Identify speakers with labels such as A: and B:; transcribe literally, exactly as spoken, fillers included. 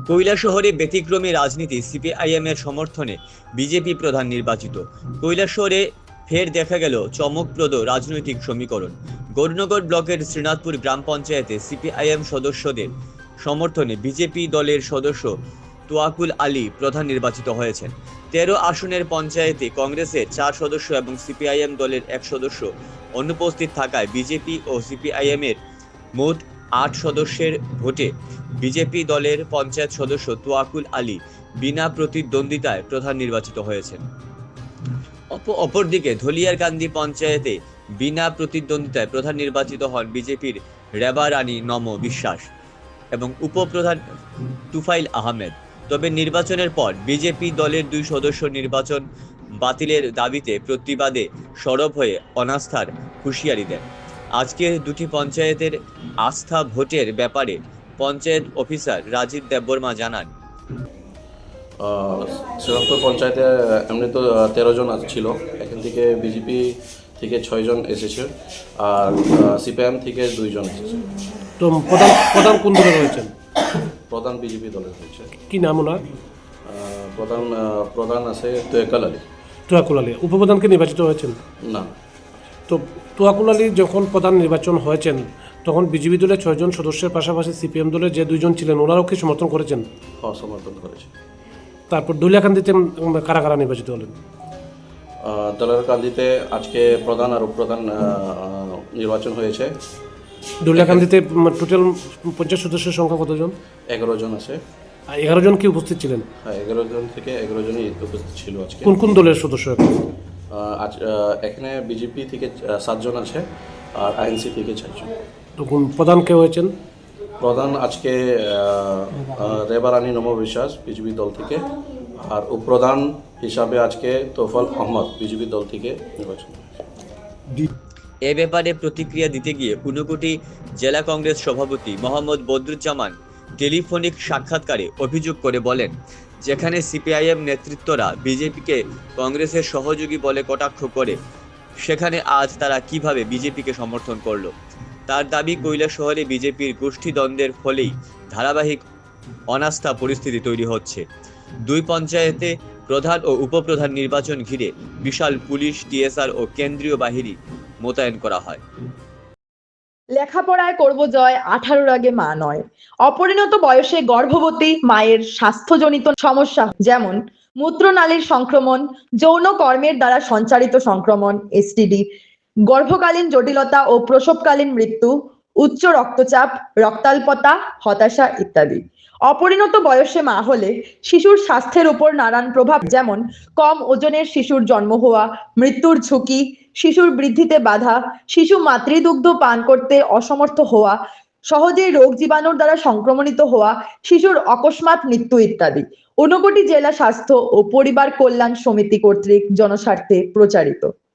A: কৈলাসহরে ব্যতিক্রমী রাজনীতি, সিপিআইএম এর সমর্থনে বিজেপি প্রধান নির্বাচিত। কৈলাসহরে ফের দেখা গেল চমকপ্রদ রাজনৈতিক সমীকরণ। গৌরনগর ব্লকের শ্রীনাথপুর গ্রাম পঞ্চায়েতে সিপিআইএম সদস্যদের সমর্থনে বিজেপি দলের সদস্য তোয়াকুল আলী প্রধান নির্বাচিত হয়েছেন। তেরো আসনের পঞ্চায়েতে কংগ্রেসের চার সদস্য এবং সিপিআইএম দলের এক সদস্য অনুপস্থিত থাকায় বিজেপি ও সিপিআইএম এর মোট আট সদস্যের ভোটে বিজেপি দলের পঞ্চায়েত সদস্য তোয়াকুল আলী বিনা প্রতিদ্বন্দ্বিতায় প্রধান নির্বাচিত হয়েছেন। অপরদিকে ধলিয়ারকান্দি পঞ্চায়েতে বিনা প্রতিদ্বন্দ্বিতায় প্রধান নির্বাচিত হন বিজেপির রেবা রানী নম বিশ্বাস এবং উপপ্রধান তুফাইল আহমেদ। তবে নির্বাচনের পর বিজেপি দলের দুই সদস্য নির্বাচন বাতিলের দাবিতে প্রতিবাদে সরব হয়ে অনাস্থার হুঁশিয়ারি দেন। আজকের দুটি পঞ্চায়েতের আস্থা ভোটের ব্যাপারে পঞ্চায়েত অফিসার রাজীব দেববর্মা জানান,
B: শ্রীরামপুর পঞ্চায়েতে এমনি তো তেরো জন ছিল, এখান থেকে বিজেপি থেকে ছয়জন এসেছে আর সিপিএম থেকে দুইজন এসেছে।
C: তো প্রধান প্রধান কোন দলের রয়েছেন?
B: প্রধান বিজেপি দলের হয়েছে।
C: কি নাম ওনার?
B: প্রধান প্রধান আছে তোয়াকুল আলী।
C: তোয়াকুল আলী উপপ্রধানকে নির্বাচিত হয়েছেন
B: না।
C: তো তোয়াকুল আলী যখন প্রধান নির্বাচন হয়েছেন তখন বিজেপি দলের ছয়জন সদস্যের পাশাপাশি সিপিএম দলের যে দুইজন ছিলেন ওনারাও কি সমর্থন করেছেন?
B: হ্যাঁ, সমর্থন করেছে।
C: তারপর ধুলিয়াকান্দিতে কারা কারা নির্বাচিত হলেন?
B: ধুলিয়াকান্দিতে আজকে প্রধান আর উপপ্রধান নির্বাচন হয়েছে।
C: ধুলিয়াকান্দিতে টোটাল পঞ্চাশ সদস্যের সংখ্যা কতজন?
B: এগারো জন আছে।
C: এগারো জন কি উপস্থিত ছিলেন?
B: হ্যাঁ, এগারো জন থেকে এগারো জনই উপস্থিত ছিল আজকে।
C: কোন কোন দলের সদস্য?
B: আজ এখানে বিজেপি থেকে সাতজন আছে আর আইএনসি থেকে চারজন।
C: তখন প্রধান কে হয়েছেন?
B: প্রধান আজকে রেবা রানী নম বিশ্বাস বিজেপি দল থেকে, আর উপপ্রধান হিসাবে আজকে তোফাল আহমদ বিজেপি দল থেকে নির্বাচন।
A: এ ব্যাপারে প্রতিক্রিয়া দিতে গিয়ে ঊনকোটি জেলা কংগ্রেস সভাপতি মোহাম্মদ বদরুজ্জামান টেলিফোনিক সাক্ষাৎকারে অভিযোগ করে বলেন, যেখানে সিপিআইএম নেতৃত্বরা বিজেপিকে কংগ্রেসের সহযোগী বলে কটাক্ষ করে, সেখানে আজ তারা কিভাবে বিজেপিকে সমর্থন করলো। তার দাবি, কৈলাসহরে বিজেপির গোষ্ঠীদ্বন্দ্বের ফলেই ধারাবাহিক অনাস্থা পরিস্থিতি তৈরি হচ্ছে। দুই পঞ্চায়েতে প্রধান ও উপপ্রধান নির্বাচন ঘিরে বিশাল পুলিশ, টিএসআর ও কেন্দ্রীয় বাহিনী মোতায়েন করা হয়।
D: লেখাপড়ায় করব জয়, আঠারোর আগে মা নয়। অপরিণত বয়সে গর্ভবতী মায়ের স্বাস্থ্যজনিত সমস্যা যেমন মূত্রনালীর সংক্রমণ, যৌন কর্মের দ্বারা সঞ্চারিত সংক্রমণ এসটিডি, গর্ভকালীন জটিলতা ও প্রসবকালীন মৃত্যু, উচ্চ রক্তচাপ, রক্তাল্পতা, হতাশা ইত্যাদি। অপরিণত বয়সে মা হলে শিশুর স্বাস্থ্যের উপর নানান প্রভাব যেমন কম ওজনের শিশুর জন্ম হওয়া, মৃত্যুর ঝুঁকি, শিশুর বৃদ্ধিতে বাধা, শিশু মাতৃদুগ্ধ পান করতে অসমর্থ হওয়া, সহজেই রোগ জীবাণুর দ্বারা সংক্রমণিত হওয়া, শিশুর অকস্মাৎ মৃত্যু ইত্যাদি। ঊনকোটি জেলা স্বাস্থ্য ও পরিবার কল্যাণ সমিতি কর্তৃক জনস্বার্থে প্রচারিত।